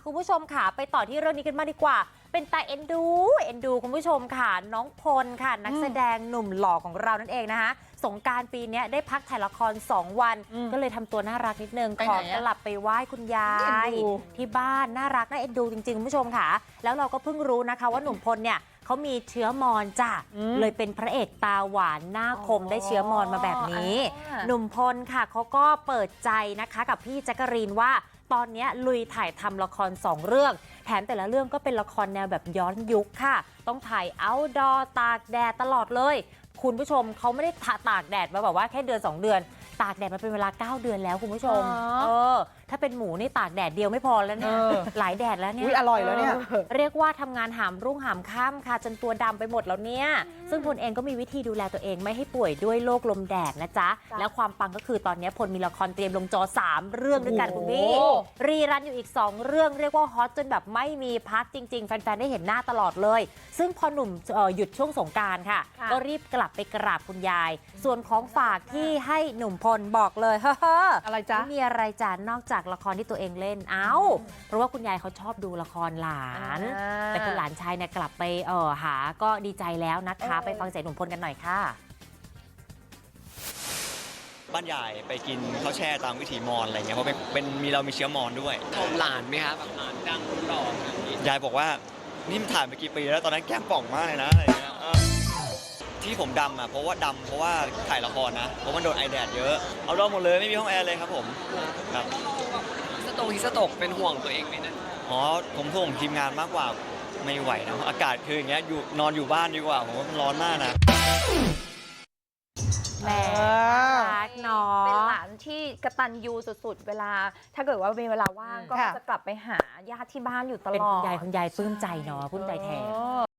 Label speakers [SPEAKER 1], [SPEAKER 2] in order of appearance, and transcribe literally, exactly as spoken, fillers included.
[SPEAKER 1] คุณผู้ชมค่ะไปต่อที่เรื่องนี้กันมากดีกว่าเป็นตาเอ็นดูเอ็นดูคุณผู้ชมค่ะน้องพลค่ะนักแสดงหนุ่มหล่อของเรานั่นเองนะคะสงกรานต์ปีนี้ได้พักถ่ายละครสองวันก็เลยทำตัวน่ารักนิดนึงขอกลับไปไหว้คุณยายที่บ้านน่ารักน่าเอ็นดูจริงๆคุณผู้ชมค่ะแล้วเราก็เพิ่งรู้นะคะว่าหนุ่มพลเนี่ยเขามีเชื้อมอญจ้ะเลยเป็นพระเอกตาหวานหน้าคมได้เชื้อมอญมาแบบนี้หนุ่มพลค่ะเขาก็เปิดใจนะคะกับพี่แจ๊กกะรีนว่าตอนนี้ลุยถ่ายทำละครสองเรื่องแถมแต่ละเรื่องก็เป็นละครแนวแบบย้อนยุคค่ะต้องถ่ายเอาท์ดอร์ตากแดดตลอดเลยคุณผู้ชมเขาไม่ได้ตากแดดมาแบบว่าแค่เดือนสองเดือนตากแดดมาเป็นเวลาเก้าเดือนแล้วคุณผู้ชมเออถ้าเป็นหมูนี่ตากแดดเดียวไม่พอแล้วเนี่ยหลายแดดแล้วเนี่ย
[SPEAKER 2] อร่อยแล้วเนี่ย
[SPEAKER 1] เรียกว่าทำงานหามรุ่งหามค่ำค่ะจนตัวดำไปหมดแล้วเนี่ยซึ่งพลเองก็มีวิธีดูแลตัวเองไม่ให้ป่วยด้วยโรคลมแดดนะจ๊ะแล้วความปังก็คือตอนนี้พลมีละครเตรียมลงจอสามเรื่องด้วยกันคุณพี่รีรันอยู่อีกสองเรื่องเรียกว่าฮอตจนแบบไม่มีพักจริงๆแฟนๆได้เห็นหน้าตลอดเลยซึ่งพอหนุ่มหยุดช่วงสงกรานต์ค่ะก็รีบกลับไปกราบคุณยายส่วนของฝากที่ให้หนุ่มพลบอกเลยเฮ้ออะไรจ๊ะไม่มีอะไรจ้ะนอกจากละครที่ตัวเองเล่นเอ้าเพราะว่าคุณยายเขาชอบดูละครหลานแต่คุณหลานชายเนี่ยกลับไปเออหาก็ดีใจแล้วนะคะไปฟังเสียงหนุ่มพลกันหน่อยค่ะ
[SPEAKER 3] บ้านใหญ่ไปกินข้าวแช่ตามวิถีมอญอะไรเงี้ยเพราะเป็นเป็นมีเรามีเชื้อมอญด้วย
[SPEAKER 4] ชมหลานไหมครับแบบหลานดังหล่อย
[SPEAKER 3] ายบอกว่านี่มันถ่ายไปกี่ปีแล้วตอนนั้นแก้มป่องมากเลยนะอะไรเงี้ยที่ผมดำอ่ะเพราะว่าดำเพราะว่าถ่ายละครนะเพราะมันโดนไอแดดเยอะเอาดอมหมดเลยไม่มีห้องแอร์เลยครับผมครับ
[SPEAKER 4] สตกฮิสตกเป็นห่วงตัวเองไหมนะ
[SPEAKER 3] อ๋อผมห่วงทีมงานมากกว่าไม่ไหวนะอากาศคืออย่างเงี้ยอยู่นอนอยู่บ้านดีกว่าผมว่ามันร้อนมากนะ
[SPEAKER 1] แหมรักเนาะ
[SPEAKER 5] เป็นหลานที่กตัญญูสุดๆเวลาถ้าเกิดว่ามีเวลาว่างก็จะกลับไปหาญาติที่บ้านอยู่ตลอด
[SPEAKER 1] เป็นคุณยายคุณยายปลื้มใจเนาะปลื้มใจแทน